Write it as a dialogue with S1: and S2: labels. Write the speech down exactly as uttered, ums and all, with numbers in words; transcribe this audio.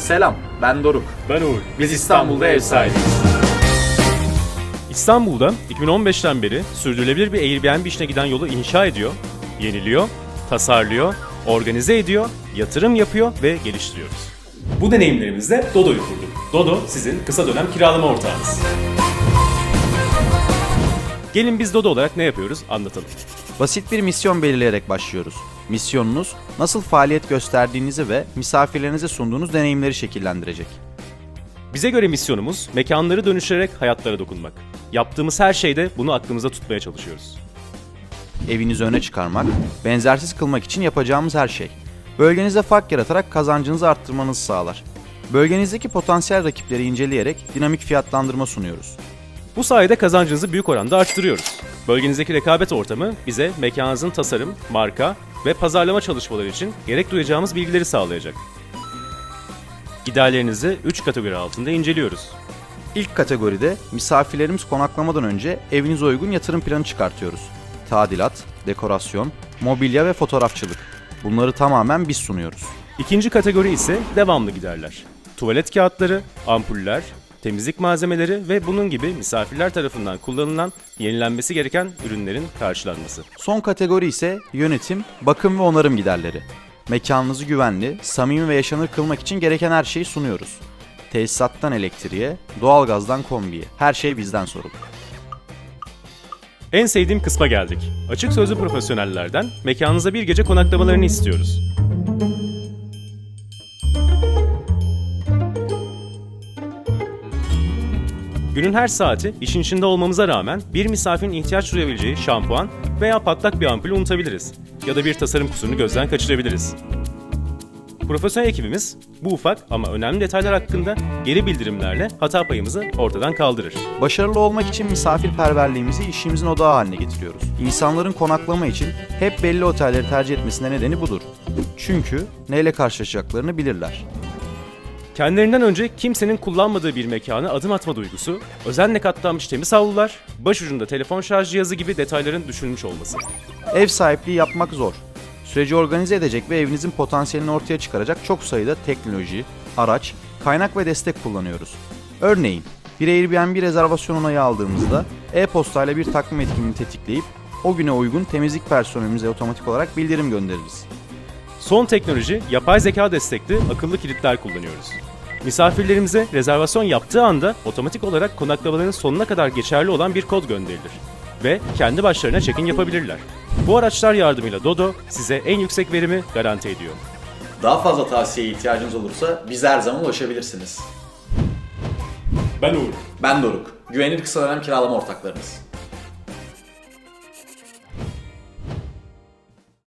S1: Selam, ben Doruk.
S2: Ben Uğur.
S1: Biz İstanbul'da ev sahibiyiz.
S2: İstanbul'da iki bin on beşten beri sürdürülebilir bir Airbnb işine giden yolu inşa ediyor, yeniliyor, tasarlıyor, organize ediyor, yatırım yapıyor ve geliştiriyoruz. Bu deneyimlerimizle Dodo'yu kurduk. Dodo sizin kısa dönem kiralama ortağınız. Gelin biz Dodo olarak ne yapıyoruz anlatalım.
S1: Basit bir misyon belirleyerek başlıyoruz. Misyonunuz, nasıl faaliyet gösterdiğinizi ve misafirlerinize sunduğunuz deneyimleri şekillendirecek.
S2: Bize göre misyonumuz mekanları dönüştürerek hayatlara dokunmak. Yaptığımız her şeyde bunu aklımızda tutmaya çalışıyoruz.
S1: Evinizi öne çıkarmak, benzersiz kılmak için yapacağımız her şey. Bölgenizde fark yaratarak kazancınızı arttırmanızı sağlar. Bölgenizdeki potansiyel rakipleri inceleyerek dinamik fiyatlandırma sunuyoruz.
S2: Bu sayede kazancınızı büyük oranda arttırıyoruz. Bölgenizdeki rekabet ortamı bize mekanınızın tasarım, marka ve pazarlama çalışmaları için gerek duyacağımız bilgileri sağlayacak. Giderlerinizi üç kategori altında inceliyoruz.
S1: İlk kategoride misafirlerimiz konaklamadan önce evinize uygun yatırım planı çıkartıyoruz. Tadilat, dekorasyon, mobilya ve fotoğrafçılık. Bunları tamamen biz sunuyoruz.
S2: İkinci kategori ise devamlı giderler. Tuvalet kağıtları, ampuller, temizlik malzemeleri ve bunun gibi misafirler tarafından kullanılan, yenilenmesi gereken ürünlerin karşılanması.
S1: Son kategori ise yönetim, bakım ve onarım giderleri. Mekanınızı güvenli, samimi ve yaşanır kılmak için gereken her şeyi sunuyoruz. Tesisattan elektriğe, doğalgazdan kombiye. Her şey bizden sorulur.
S2: En sevdiğim kısma geldik. Açık sözlü profesyonellerden mekanınıza bir gece konaklamalarını istiyoruz. Günün her saati işin içinde olmamıza rağmen bir misafirin ihtiyaç duyabileceği şampuan veya patlak bir ampulü unutabiliriz. Ya da bir tasarım kusurunu gözden kaçırabiliriz. Profesyonel ekibimiz bu ufak ama önemli detaylar hakkında geri bildirimlerle hata payımızı ortadan kaldırır.
S1: Başarılı olmak için misafirperverliğimizi işimizin odağı haline getiriyoruz. İnsanların konaklama için hep belli otelleri tercih etmesine nedeni budur. Çünkü neyle karşılaşacaklarını bilirler.
S2: Kendilerinden önce kimsenin kullanmadığı bir mekana adım atma duygusu, özenle katlanmış temiz havlular, başucunda telefon şarj cihazı gibi detayların düşünülmüş olması.
S1: Ev sahipliği yapmak zor. Süreci organize edecek ve evinizin potansiyelini ortaya çıkaracak çok sayıda teknoloji, araç, kaynak ve destek kullanıyoruz. Örneğin, bir Airbnb rezervasyon onayı aldığımızda e-postayla bir takvim etkinliğini tetikleyip o güne uygun temizlik personelimize otomatik olarak bildirim göndeririz.
S2: Son teknoloji, yapay zeka destekli akıllı kilitler kullanıyoruz. Misafirlerimize rezervasyon yaptığı anda otomatik olarak konaklamaların sonuna kadar geçerli olan bir kod gönderilir ve kendi başlarına check-in yapabilirler. Bu araçlar yardımıyla Dodo size en yüksek verimi garanti ediyor.
S1: Daha fazla tavsiyeye ihtiyacınız olursa bize her zaman ulaşabilirsiniz.
S2: Ben Uğur.
S1: Ben Doruk. Güvenilir kısa dönem kiralama ortaklarınız.